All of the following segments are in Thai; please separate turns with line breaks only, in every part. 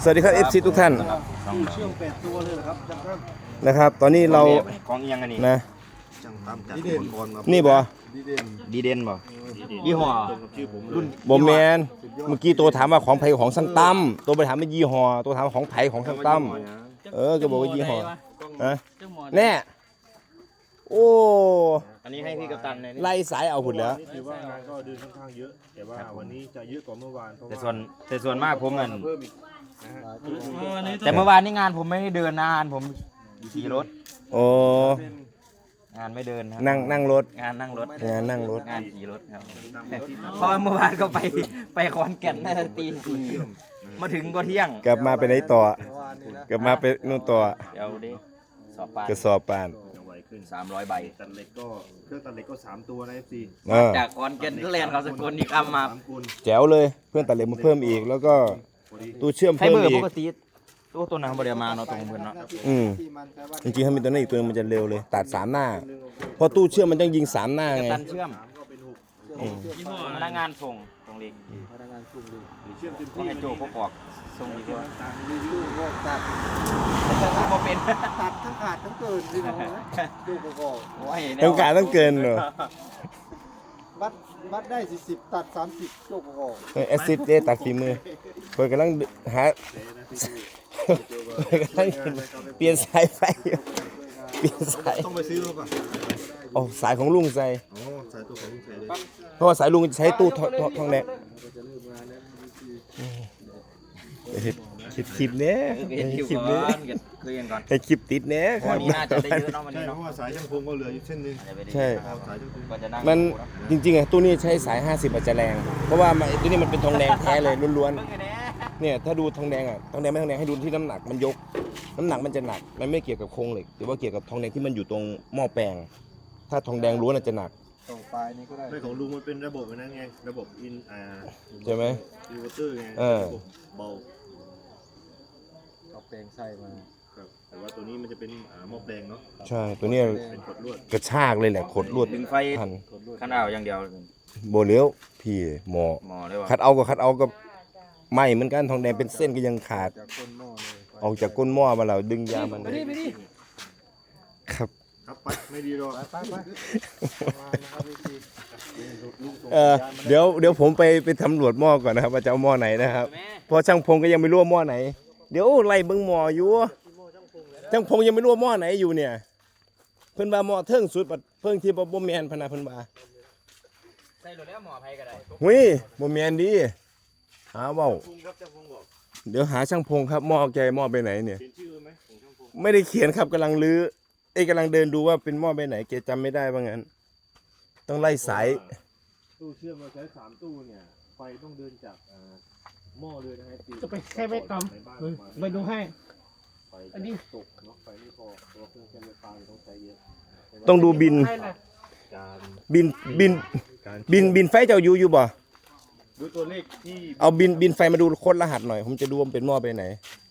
วัสดีครับ FC ทุกท่าน
เชื่อมเป็ดตัวเลยเหรอครับจังครับ
นะครับ ตอนนี้เรา
ของยังไงนี่
นะ
จังตามจัดอุปกรณ์มา
นี่บ่
ดีเด่น
ดีเด่นบ่ยี่ห้อ
ตรงกับชื่อผมรุ่น
บ่แมนเมื่อกี้ตัวถามว่าของไผของช่างตั้มตัวไปถามว่ายี่ห้อตัวถามว่าของไผของช่างตั้มก็บอกว่ายี่ห้อนะแน่โอ้
อันนี้ให้พี่กัปตันเลยนี่
ไล่สายเอาหุ่นแล้ว
นี่ถือว่างานก็เดินค่อนข้างเยอะ แต่ว่าวันนี้จะเยอะกว่าเมื่อวานเพราะ
แต่
ว่า
ส่วนมากผมเงิน
เพิ่มอีกนะฮะ
แต่เมื่อวานนี่งานผมไม่ได้เดินนะงานผมขี่รถ
โอ้
เป็น
งานไม่เดินครับ
นั่งรถ
งานนั่งรถ
งานนั่งรถ
งานขี่รถครับเพราะว่าเมื่อวานก็ไปขอนแก่นน่าจะตีสี่มาถึงก็เที่ยง
กลับมาไปไหนต่อ
เมื่อวานนี้นะ
กลับมาไปนู่นต่อ
เดี๋ยวดิสอบปาน
กระสอบปาน
จะไวขึ้น
300 ใบ
ตัดเหล็กก็เครื่องตัดเหล็กก็3ตัวนะ FC
เออ
จากขอนแก่นก็แลนเขาสกลอีกคำมา
3กุล
แจ๋วเลยเพื่อนตัดเหล็กมาเพิ่มอีก แล้วก็
พอดี
ตู้เชื่อม
ใช้
เพิ่ม
เบอร์
อี
ป
ก
กติตัวนั้นบริมาเนาะตรงเพื่อนเนาะ
จริงๆถ้ามีตัวนี้อีกตัวนึงมันจะเร็วเลย ตัด3หน้าเพราะตู้เชื่อมมันต้องยิง3หน้า
กัป
ไง
ตันเชื่อม
ก็เป็น6
พนักงานส่งตรงเล็ก
พนักงานชุ่มเลยเชื่อมเต็ม
ก็
ที่
ให้โจพวกออกส่งดีกว่า
ต่างรีวิวก็ตัด
แต่ถ้าพอเป็น
ตัดทั้งขาดทั้งเกินสิน้องนะดูประกอบ
โอ้ย
ต้องการต้องเกินเหรอ
วัดได้40ตัด30โจกประกอบ
แอสซิดตัดฝีมือเพื่อนกำลังหาเพิ่นกำลังเปลี่ยนสายไฟอยู่เปลี่ยนสาย
ต้องไปซื้อป่ะ
โอ้สายของลุงใส่
อ๋อสายตัวของลุงใส่เลย
เพราะว่าสายลุงใช้ตู้ทองแดง
จะเริ่มงานแล้ว
เห็ดคลิปเนี้ย
เห็นคิว
คลิป
ก่
เนี้
อย นคุยกันก่อน
ให้คลิปติดเนี้ยค
วั
รั
น
บ
นี้น่าจะได้เยอะเนาะวัน
ใช่
นี้
เพ
เนาะ
ราะว่าสายช่างพงก็เหลืออยู่เส้นนึง
ใช่
ครับสายช่างพง
ก็จะนั่ง
มันจริงๆอ่ะตู้นี้ใช้สาย 50อาจจะแรง เพราะว่าตู้นี้มันเป็นทองแดงแท้เลยล้วนๆเนี่ยถ้าดูทองแดงอ่ะทองแดงไม่ทองแดงให้ดูที่น้ำหนักมันยกน้ำหนักมันจะหนักมันไม่เกี่ยวกับโครงเหล็กหรือว่าเกี่ยวกับทองแดงที่มันอยู่ตรงหม้อแปลง ถ้าทองแดงล้วนอาจจะหนัก
ตรงปลายนี้ก็ได้ไม่ของลุงมันเป็นระบบนั้นไงระบบ
ใช่ไหม
อินเวอร์เตอร์ไง
เออ
ระบบเบาเอาแปลงใส่มาครับแต่ว่าตัวนี้มันจะเป็นหม้อแปลงเนาะ
ใช่ตัวเนี้ย
เป็นกดลวด
กระชากเลยแหละขดลวด
ดึงไฟ
ทัน
ขันเอาอย่างเดียว
โบเลี้ยวพี่หมอ
หมอเลยว่า
คัดเอาก็ไหม่เหมือนกันทองแดงเป็นเส้นก็ยังขาด
จากก้นหม้อเลย
ออกจากก้นหม้อมาแล้วดึงยามันครับ
ครับไปไม่ดีหรอกไปนะครับพี่ลุงส่ง
เดี๋ยวผมไปสำรวจหม้อก่อนนะครับว่าจะเอาหม้อไหนนะครับเพราะช่างพงก็ยังไม่รู้ว่าหม้อไหนเดี๋ยวไล่เบิ่งหม้ออยู่ช่างพงยังไม่รู้ว่าหม้อไหนอยู่เนี่ยเพิ่นว่าหม้อเทิงสุดบัดเพิ่งที่บ่แม่นพะนะเพิ่นว่า
ใส่รถแล้วหมอไผก็ได้
หุ้ยบ่แม่นดีหาเว้า
พงครับเจ้าพงบอก
เดี๋ยวหาช่างพงครับหม้อแกหม้อไปไหนเนี่ย
เขียนชื่อไหมของช่างพง
ไม่ได้เขียนครับกำลังลื้อกำลังเดินดูว่าเป็นหม้อไปไหนแกจำไม่ได้ว่างั้นต้องไล่สาย
ตู้เชื่อมเราใช้3ตู้เนี่ยไฟต้องเดินจากหม้อเลยนะฮะ
จะไปแค่ไว้ก่อนไปดูให้ อันนี้
ตกเนาะไฟไม่พอตัวเครื่องใช้ไฟฟ้าต้องใช้เยอะ
ต้องดูบิน
ให้นะ
การ
บินไฟเจ้าอยู่บ่
ดูตัวเลขที่
เอาบินไฟมาดูโค้ดรหัสหน่อยผมจะดูว่ามันเป็นหม้อไปไหน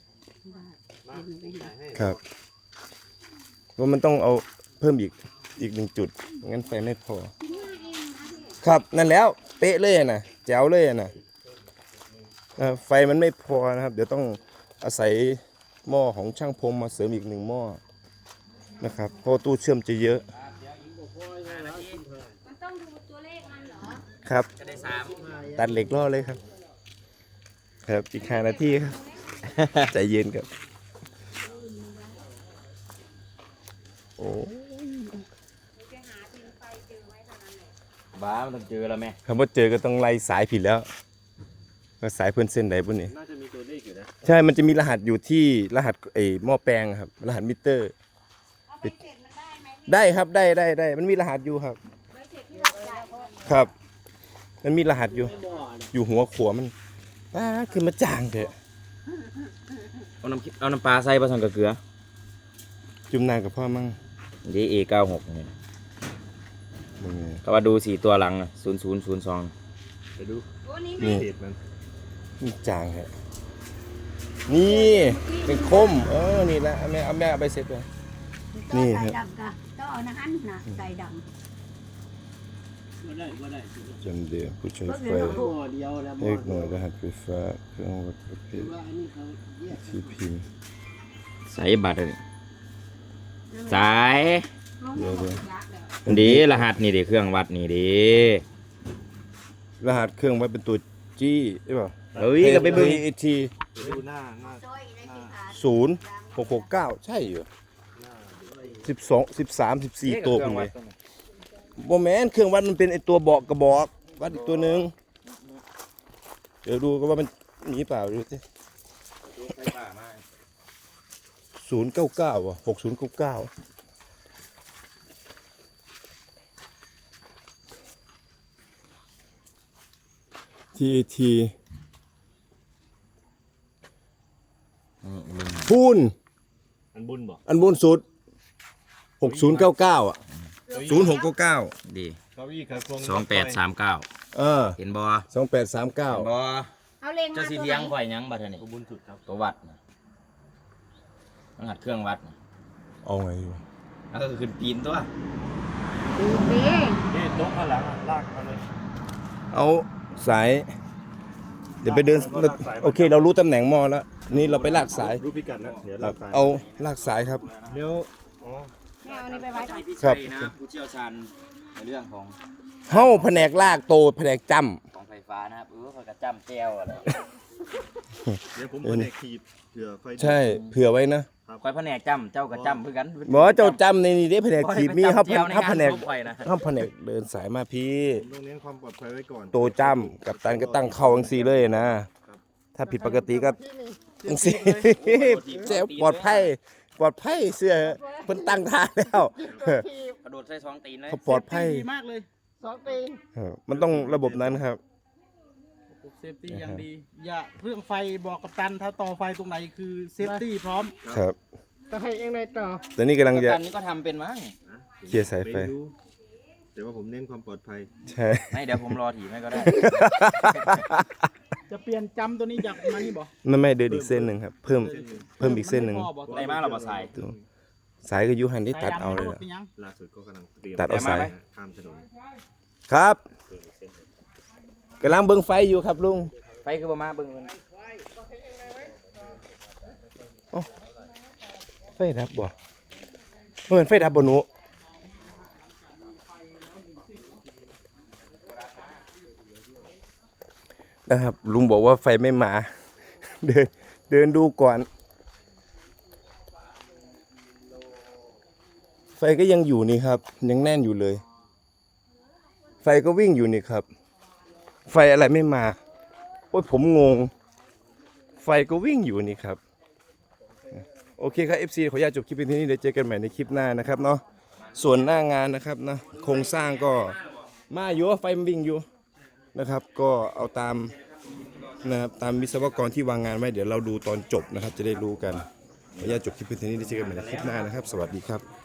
ครับว่ามันต้องเอาเพิ่มอีก1จุดงั้นไฟไม่พอ ครับนั่นแล้วเป๊ะเลยนะแจ๋วเลยนะไฟมันไม่พอนะครับ เดี๋ยวต้องอาศัยหม้อของช่างพรมมาเสริมอีก1หม้อนะครับเพราะตู้เชื่อมจะเยอะ
มันต้องดูตัวเลขมันเหรอ
ครับ
จะได้3
ตัดเหล็กล่อเลยครับ ครับอีก5 นาทีครับ ใจเย็นครับโอ้
จะหาพิมพ์ไฟเจอไว้เท่านั้นแหละ
บ้ามันต้องเจอแล้วแม่
คำว่าเจอก็ต้องไล่สายผิดแล้วว่าสายเพื่อนเส้นไหนพวกนี้
น่าจะมีตัวเลขอยู่นะ
ใช่มันจะมีรหัสอยู่ที่รหัสหม้อแปลงครับรหัสมิเตอร์
เอาไปเสร็จมันได้ไหม
ได้ครับได้มันมีรหัสอยู่ครับ
ไปเสร็จที่เราจ่ายก่อน
ครับ มันมีรหัสอยู่หัวขวมันคือมาจางเถอะ
เอาน้ำปลาใส่ผสมกับเกลือ
จุ่มน้ำกับพ่อมั่ง
ดี A96 นี่
มึงไง
ก็ว่าดู4ตัวหลัง0002
ไปดู
โอ้นี่
นี่
เพจมัน
มันจางเหรอนี่เป็นคมนี่แหละเอาแม่เอาไปเสร็จเลย นี่
นี่
ค
ค
รั
รับ บต้องเอานะฮั่นนะใส่ด
จำเดียวผู้ใช้ไฟเลขหน่วยรหัสไฟฟ้าเครื่องวัดประเภทที่พิมพ์
ใส่บัตรเลยสาย
เดี๋ยว
ดีรหัสนี่ดิเครื่องวัดนี่ดิ
รหัสเครื่องไว้เป็นตัวจี้ใช่ป่ะ
เฮ้ยก็ไปเบิ่ง
AT
ดูหน้า
0669ใช่เหรอ12 13 14ตัวคุณเลยบ่แม่นเครื่องวัดมันเป็นไอตัวบอกกระบอกวัดอีกตัวหนึงเดี๋ยวดูก็ว่ามันมีเปล่าดูสิ099ว่ะ6099ทีพูน
อันบุญบ่
อันบนสุด6099อ่ะ0699
ดี
เก้าอี้ขาโครง
2839
เออ
เห็นบ่
2839
บ่
เอาเล็งมา
เจ้าสิเทียงข่อยหยังบัดนี้
บุญสุดครับ
ตัววัดน่ะรหัสเครื่องวัดน่ะ
เอาไงดี
แล้วก็ขึ้นปีนตัว
ดูดิ
นี่โต๊ะข้างหลังลากมาเลย
เอาสาย เดี๋ยวไปเดินโอเคเรารู้ตำแหน่งหม้อแล้วนี่เราไปลากสาย
รู้พิกัดแล้วเดี๋ยว
ครั
ลา
บ
กสาย
เอาลากสายครับ
เดี๋ยวอ๋อ
แม่เอานี่ไปไว้ก่อน
พี่
ครั
ชั
บ
ยนะผู้เชี่ยวชาญในเรื่องของ
เฮ้าแผนกลากโตแผนกจ
ของไฟฟ้านะครับเขาก็จ้ำแจ้วอะไร
เดี๋ยวผมแผนกขีดเผื่อไฟ
ำใช่เผื่อไว้นะ
คอยแผนกจ้ำเจ้าก็จ้ำเพื่อกัน
บอกว่าเจ้าจำในนี้ได้แผนกขีดมีเขา
เจียวใน
เขา
งา
แผ
น
นก
ศพข่อยนะ
เขาแผนกเดินสายมาพี่
ผมต้องเน้นความปลอดภัยไว้ก่อน
โตจำกับตันก็ตั้งเข้าอังซีเลยนะ ถ้าผิดปกติก็อังซีเจ้าปลอดภัยเสื้อเพิ่นตั้งท่าแล้ว
กระโดดใส่ท้องตีนเลย
เขาปลอดภัย
ดีมากเลย2 ปี
มันต้องระบบนั้นครับ
เซฟตี้อย่างดี อย่าเรื่องไฟบอกกัปตันถ้าต่อไฟตรงไหนคือเซฟตี้พร้อม
ครับ
จะให้เองไงต่อ
แต่นี่กำลังจะ
กันนี้ก็ทำเป็นมั้ง
เคลียร์สายไฟ
ม่รู้แต่ว่าผมเน้นความปลอดภัย
ใช่
ไม่เดี๋ยวผมรอถีบให้ก็ได้
จะเปลี่ยนจำตัวนี้จากมานี่บ่
ไม่เดินอีกเส้นหนึ่งครับ เพิ่มอีกเส้นหนึ่ง
ได้มาเราบ่ใส่
สายก็อยูหันที่ตัดเอาเลย
เป็นยัง
ล่าสุดก็กำลังเตรียม
ตัดเอาสาย
ข้ามถนน
ครับกำลังเบิ่งไฟอยู่ครับลุง
ไฟคือประมาณเบิ่งมัน
ไฟดับบ่เหมือนไฟดับบ่หนูนะครับลุงบอกว่าไฟไม่มา เดินดูก่อน ไฟก็ยังอยู่นี่ครับ ยังแน่นอยู่เลย ไฟก็วิ่งอยู่นี่ครับ ไฟอะไรไม่มาโอ้ยผมงง ไฟก็วิ่งอยู่นี่ครับ โอเคครับ FC ขออนุญาตจบคลิปเป็นที่นี้เดี๋ยวเจอกันใหม่ในคลิปหน้านะครับเนาะส่วนหน้างานนะครับนะโครงสร้างก็มาอยู่ไฟมันวิ่งอยู่นะครับ ก็เอาตามนะครับตามวิศวกรที่วางงานไว้เดี๋ยวเราดูตอนจบนะครับ จะได้รู้กันขออนุญาตจบคลิปเป็นที่นี้เดี๋ยวเจอกันใหม่ในคลิปหน้านะครับ สวัสดีครับ